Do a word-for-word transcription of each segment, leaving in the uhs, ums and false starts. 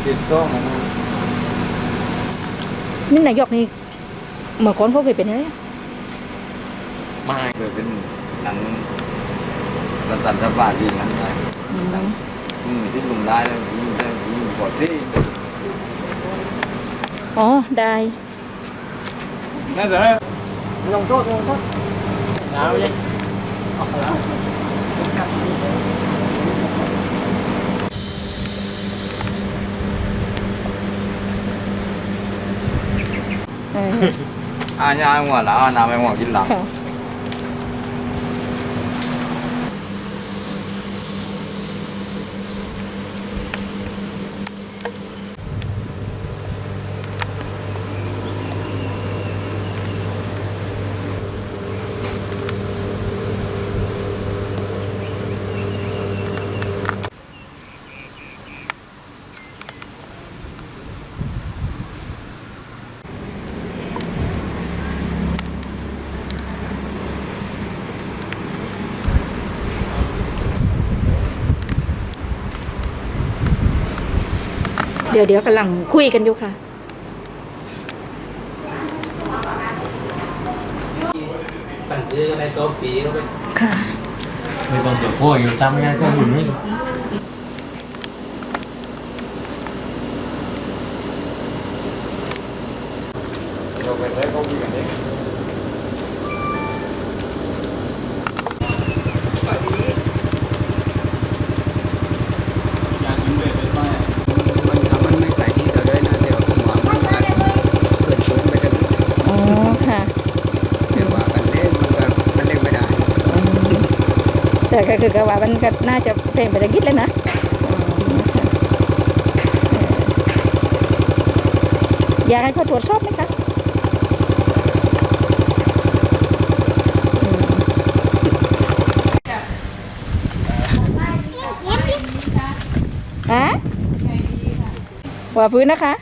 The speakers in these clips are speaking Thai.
ติดต้องมันนี่นายกนี่เมื่อก่อนเขาเคยเป็นอะไรไม่เคยเป็นหนังรัฐบาลดีนั้นได้อืมที่ลุงได้แล้วยิงได้ยิงกดที่อ๋อได้น่าจะลงโทษลงโทษหนาวยังออกแล้วอ่าย่าหัวแล้วน้ำไปหัวกินหลังเดี๋ยวเดี๋ยวกำลังคุยกันอยู่ค่ะปั่นซื้อก็ได้ตัวปีก็ไปค่ะไม่ต้องเดี๋ยวพวกอยู่ทำงานก็อยู่นี่เราไปได้ก็มีกันเองแต่ก็คือก็ว่ามันก็น่าจะเพลงไปตะกิดเลยนะอยากให้เขาตรวจสอบไหมคะฮะว่าพื้นนะคะ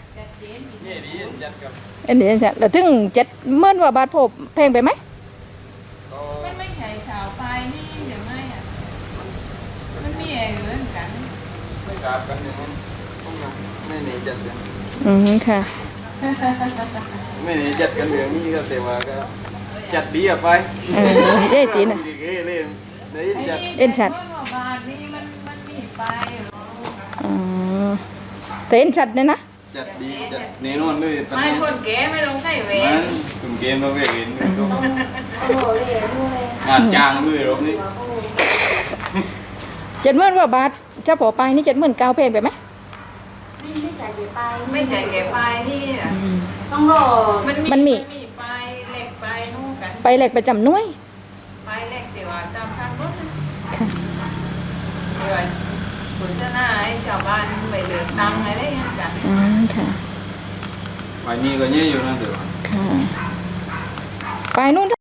เอ็นดีจัดแล้วถึงเจ็ดเมื่อว่าบาทโผล่เพลงไปไหมไม่ใช่ข่าวไปนี่เดี๋ยวไม่อ่ะมันมีอะไรเหมือนกันไม่กลับกันอย่างนั้นไม่หนีจัดกันอืมค่ะไม่หนีจัดกันอย่างนี้ก็แต่ว่าก็จัดดีอะไปเออเจ๊จีน่ะเอ็นชัดอ๋อแต่เอ็นชัดเนี่ยนะจัดดีจัดเนนอนเลยไม่คนเก๋ไม่ลงใส่เวรคนเก๋มาเวรเห็นก็งานจางเลยรอบนี้เจ็ดหมื่นว่าบาทเจ้าปอไปนี่เจ็ดหมื่นเก้าเพลงไปไหมไม่ใช่เก๋ไปไม่ใช่เก๋ไปนี่ต้องรอมันมีไปเหล็กไปนู่นกันไปเหล็กประจำหน่วยไปเหล็กเดี๋ยวจำคันรถเลยคุณชนะไอ้ชาวบ้านไปเดือดตังอะไรอย่างเงี้ยกันอืมค่ะไปนี่ก็เยอะอยู่นะเดี๋ยวค่ะไปนู่น